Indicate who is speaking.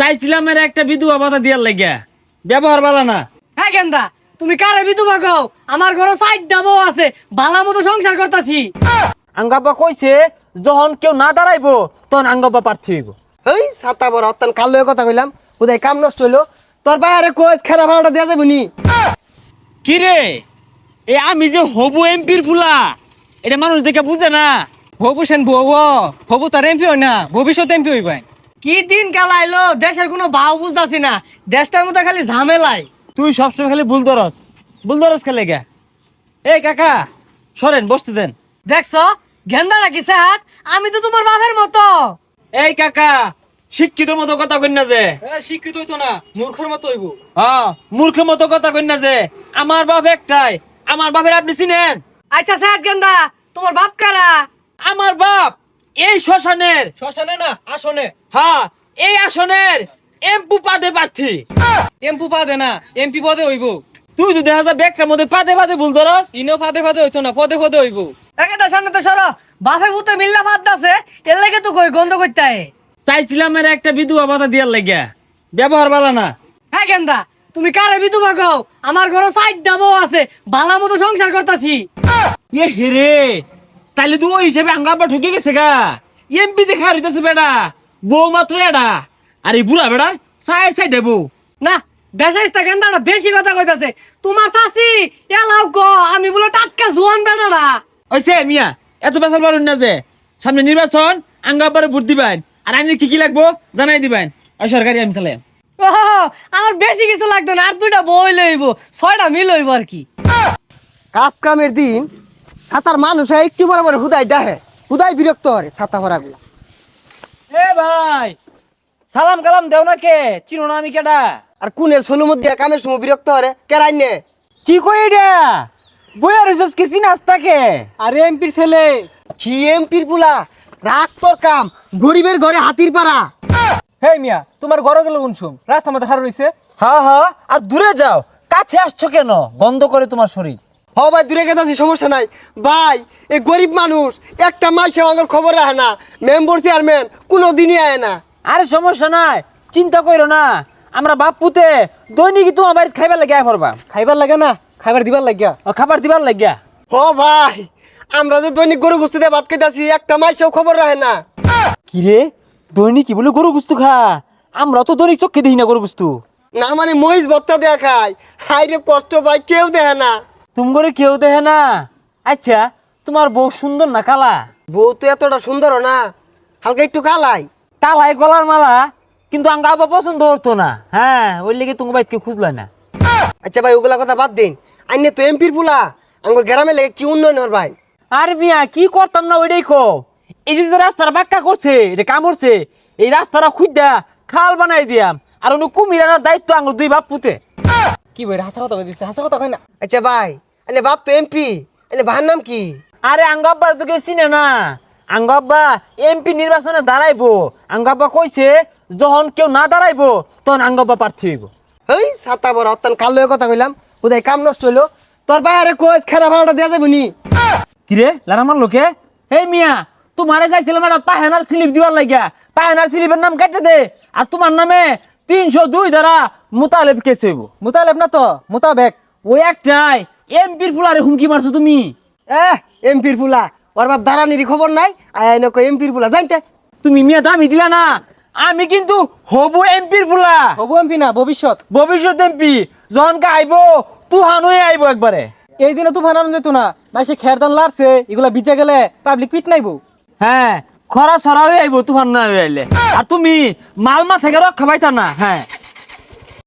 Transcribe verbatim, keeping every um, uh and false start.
Speaker 1: চাইছিলাম এর একটা বিধবা ভাতা দিয়ার লাগিয়া, ব্যবহার ভালো না।
Speaker 2: হ্যাঁ গেন্দা, তুমি কারে বিধবা কও? আমার ঘরে সাইড ডাবো আছে, ভালো মতো সংসার করতাছি।
Speaker 1: আঙ্গাব্বা কইছে যখন কেউ না দাঁড়াইবো তখন আঙ্গাব্বা প্রার্থী হইব।
Speaker 3: এই সাতা বড় অত্যান কাল লয়ে কথা কইলাম, উদয় কাম নষ্ট হইলো। তোর বাইরে কোচ খেলা ভাড়াটা দেওয়া যাবে নি?
Speaker 1: কি রে, এ আমি যে হবু এমপির ফুলা, এটা মানুষ দেখে বুঝে না।
Speaker 2: হবু সেন বউ, হবু তার এমপি হয় না, ভবিষ্যৎ এমপি হইবে। কি দিন কাল আইলো, দেশের কোনো ভাও বুঝতাছি না, দেশটার মধ্যে খালি ঝামেলাই।
Speaker 1: তুই সবসময় খালি ভুল ধরস, ভুল ধরস খেলে গা। এই কাকা সরেন, বসতে দেন।
Speaker 2: দেখছো গেন্দা নাকি হাত? আমি তো তোমার বাপের মতো।
Speaker 1: এই কাকা, শিক্ষিত মতো কথা কই না যে।
Speaker 2: শিক্ষিত হইতো না, মূর্খের মতো হইব।
Speaker 1: হ্যাঁ, মূর্খের মতো কথা কই না যে। আমার বাপ একটাই, আমার বাপের আপনি চিনেন?
Speaker 2: আচ্ছা সাহেব গেন্দা, তোমার বাপ কারা?
Speaker 1: আমার বাপ এই শ্মশানের,
Speaker 2: শ্মশানে না আসনে।
Speaker 1: হ্যাঁ এই আসনের এমপি পদে প্রার্থী।
Speaker 2: এমপি পদে না, এমপি পদে হইব।
Speaker 1: তুই তো দেখা যায় ব্যাগটার মধ্যে পাদে পাদে ভুল ধরস।
Speaker 2: ইনো ফাদে ফাদে হইতো না, পদে পদে হইব। একেটা সামনে তো সরো, বাপে ভূতে মিল্লা ফাদ দাসে, এর লাগে তো কই গন্ধ করতে হয়।
Speaker 1: চাইছিলাম এর একটা বিধবা ভাতা দিয়ার লাগিয়া, ব্যবহার ভালো না।
Speaker 2: হ্যাঁ গেন্দা, তুমি কারে বিধবা কও? আমার ঘরে সাইড ডাবো আছে, ভালো মতো সংসার করতাছি।
Speaker 1: এ হেরে, তাইলে তুই ওই হিসেবে আঙ্গাব্বা ঠকে গেছে গা। এমপি দেখা হইতেছে বেটা, বউ মাত্র এডা, আর এই বুড়া বেড়া সাইড সাইড বউ।
Speaker 2: না বেশাইস্তা গেন্দাটা বেশি কথা কইতাছে। তোমার চাচি এলাও গো, আমি বলে টাটকা জোয়ান বেটারা।
Speaker 1: ওইসে মিয়া, এত বেসাল পারুন না যে। সামনে নির্বাচন, আঙ্গাব্বারে ভোট দিবেন, আর আইনের কি কি লাগবো জানাই দিবেন। ওই সরকারি আমি চালাই।
Speaker 2: ও আমার বেশি কিছু লাগতো না, আর দুইটা বই লইব, ছয়টা মিল হইব আর কি।
Speaker 3: কাজ কামের দিন সাতার মানুষ একটু বড় বড় হুদাই ডাহে, হুদাই বিরক্ত হরে ছাতা ভরা গুলা।
Speaker 1: এ ভাই, সালাম কালাম দেও না কে? চিনো না আমি কেডা?
Speaker 3: আর কুনের ষোলো মধ্যে কামের সময় বিরক্ত হরে কেরাই নে।
Speaker 1: কি কই এটা? বইয়া রইছস কি চিনাস তাকে?
Speaker 2: আরে এমপির ছেলে।
Speaker 3: কি এমপির পুলা, রাগ তোর কাম, গরিবের ঘরে হাতির পাড়া।
Speaker 2: হে মিয়া, তোমার ঘরে গেল উনসুম, রাস্তা মধ্যে হার রইছে।
Speaker 1: হ্যাঁ হ্যাঁ, আর দূরে যাও, কাছে আসছো কেন? গন্ধ করে তোমার শরীর।
Speaker 3: হ ভাই দূরে গেছে সমস্যা নাই ভাই, এই গরিব মানুষ একটা মাসে আমার খবর রাখে না, মেম্বার চেয়ারম্যান কোনো দিনই আয় না।
Speaker 1: আরে সমস্যা নাই, চিন্তা কইরো না। আমরা বাপ পুতে দৈনিক তোমার বাড়িতে খাইবার লাগিয়া পড়বা।
Speaker 2: খাইবার লাগে না, খাইবার দিবার লাগিয়া।
Speaker 1: ও খাবার দিবার লাগিয়া।
Speaker 3: হ ভাই, আমরা যে দৈনিক গরু গুস্তি দিয়ে ভাত খাইতেছি, একটা মাসেও খবর রাখে না।
Speaker 1: কি রে, দৈনিক কি বলে গরু গুস্তু খা? আমরা তো দৈনিক চোখে দেখি না গরু গুস্তু।
Speaker 3: না মানে মহিষ ভত্তা দেয়া খায়, হাই রে কষ্ট ভাই, কেউ দেখে না।
Speaker 1: তুমি করে কেউ দেখে না? আচ্ছা, তোমার বউ সুন্দর না কালা?
Speaker 3: বউ তো এতটা সুন্দর না, হালকা একটু কালাই।
Speaker 1: কালাই গলার মালা, কিন্তু আঙ্গা আবার পছন্দ হতো না। হ্যাঁ, ওই লেগে তুমি বাইক খুঁজলা না।
Speaker 3: আচ্ছা ভাই ওগুলা কথা বাদ দিন, আইনে তো এমপির পুলা, আমার গ্রামে লেগে কি উন্নয়ন হর ভাই?
Speaker 1: আর মিয়া কি করতাম না ওইটাই কো। এই যে যে রাস্তাটা বাক্কা করছে, এটা কাম করছে, এই রাস্তাটা খুঁজা খাল বানাই দিয়াম, আর অন্য কুমির আনার দায়িত্ব আঙ্গুর দুই বাপ পুতে।
Speaker 2: কি বই হাসা কথা কইছে, হাসা কথা কই না।
Speaker 3: আচ্ছা ভাই, আইনে বাপ তো এমপি, আইনে ভাইয়ের নাম কি?
Speaker 1: আরে আঙ্গাব্বা তো কেউ চিনে না। আঙ্গাব্বা এমপি নির্বাচনে দাঁড়াইবো। আঙ্গাব্বা কইছে যখন কেউ না দাঁড়াইবো তখন আঙ্গাব্বা প্রার্থী হইব।
Speaker 3: এই সাতা বড় অত্যান কাল লয়ে কথা কইলাম, উদয় কাম নষ্ট হইলো। তোর বাইরে কোচ খেলা ভাড়াটা দেওয়া যাবে নি?
Speaker 1: কিরে লারামার লোকে, এই মিয়া তোমারে চাইছিলাম একটা পাহেনার স্লিপ দিবার লাগিয়া, পাহেনার স্লিপের নাম কেটে দে, আর তোমার নামে তিনশো দুই দ্বারা মোতালেব কেস হইব।
Speaker 2: মুতালেব না তো, মুতাবেক।
Speaker 1: ওই একটাই এমপির ফুলারে হুমকি মারছো তুমি।
Speaker 3: এহ এমপির পুলা, ওর বাপ দাঁড়ানির খবর নাই, আয় আইনে কই এমপির পুলা জানতে।
Speaker 1: তুমি মিয়া দামি দিলা না, আমি কিন্তু হবু এমপির ফুলা।
Speaker 2: হবু এমপি না, ভবিষ্যৎ।
Speaker 1: ভবিষ্যৎ এমপি যখন আইব তুহান হয়ে আইব একবারে।
Speaker 2: এই দিনে তো বানানো যেত না, মাসে খেরদান লারছে, এগুলা বিচে গেলে পাবলিক পিট নাইবো।
Speaker 1: হ্যাঁ, খরা ছড়া হয়ে আইব তুফান না হয়ে আইলে। আর তুমি মালমা থেকে রক্ষা পাইতা না। হ্যাঁ।